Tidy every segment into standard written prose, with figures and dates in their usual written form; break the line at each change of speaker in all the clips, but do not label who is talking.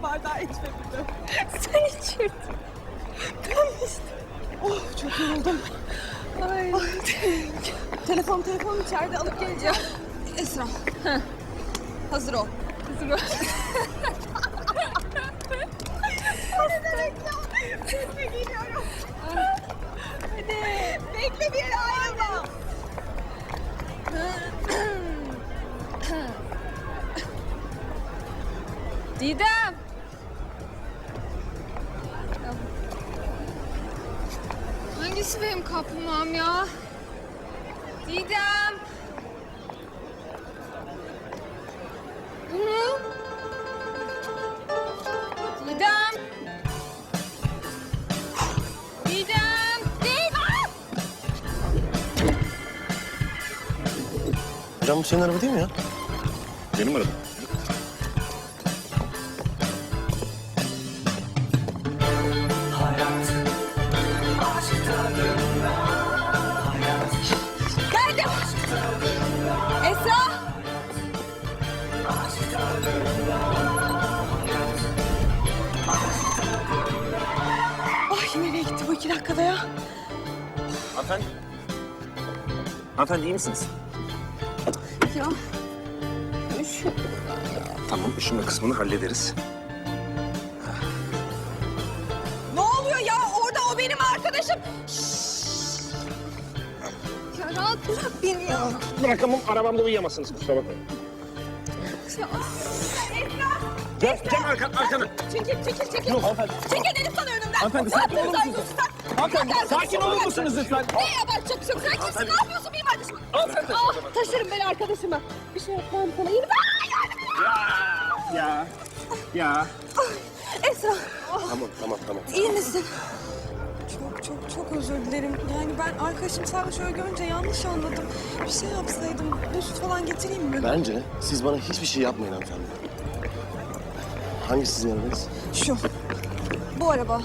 bardağı içme bir de.
Sen içirdin. Ben içtim.
Oh çok yoruldum.
Ay.
Telefon içeride alıp geleceğim.
Esra.
Hazır ol.
Hazır ol.
Ne demek ya? Sesle geliyorum.
Hadi.
Bekle bir yere ayrılma.
Didem. Hangisi benim kaplumbağam ya? Didem. Bu mu? Didem. Didem. Didem.
Hocam bu senin araba değil mi ya?
Benim arabam.
Geldim. Esra.
Ay nereye gitti bu 2 dakikada ya?
Hanımefendi. Hanımefendi iyi misiniz?
Ya.
Tamam, üşüme kısmını hallederiz.
Ne oluyor ya? Orada o benim arkadaşım.
Ya rahat bırak beni ya.
Bırakamam, arabamda uyuyamazsınız, kusura bakmayın.
Ya.
Gel arkana.
Çekil.
Yok hanımefendi.
Çekil dedim sana önümden.
Hanımefendi, sakin olur musunuz? Hanımefendi, sakin olur musunuz lütfen?
Ne yapar çok sen kimsin? Ne yapıyorsun benim arkadaşıma? Ah, taşırım ben arkadaşıma. Bir şey yapmam sana. İyi misin?
Ya.
Esra,
Tamam.
iyi misin? Çok özür dilerim. Yani ben arkadaşım sadece şöyle görünce yanlış anladım. Bir şey yapsaydım. Buz falan getireyim mi?
Bence siz bana hiçbir şey yapmayın hanımefendi. Hangisi sizin arabanız?
Şu. Bu araba.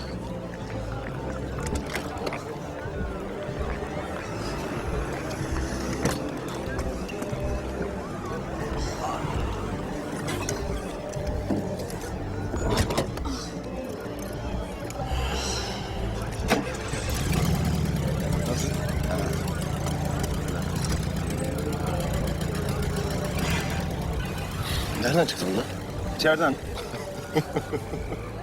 Nereden çıktı bunlar?
İçeriden.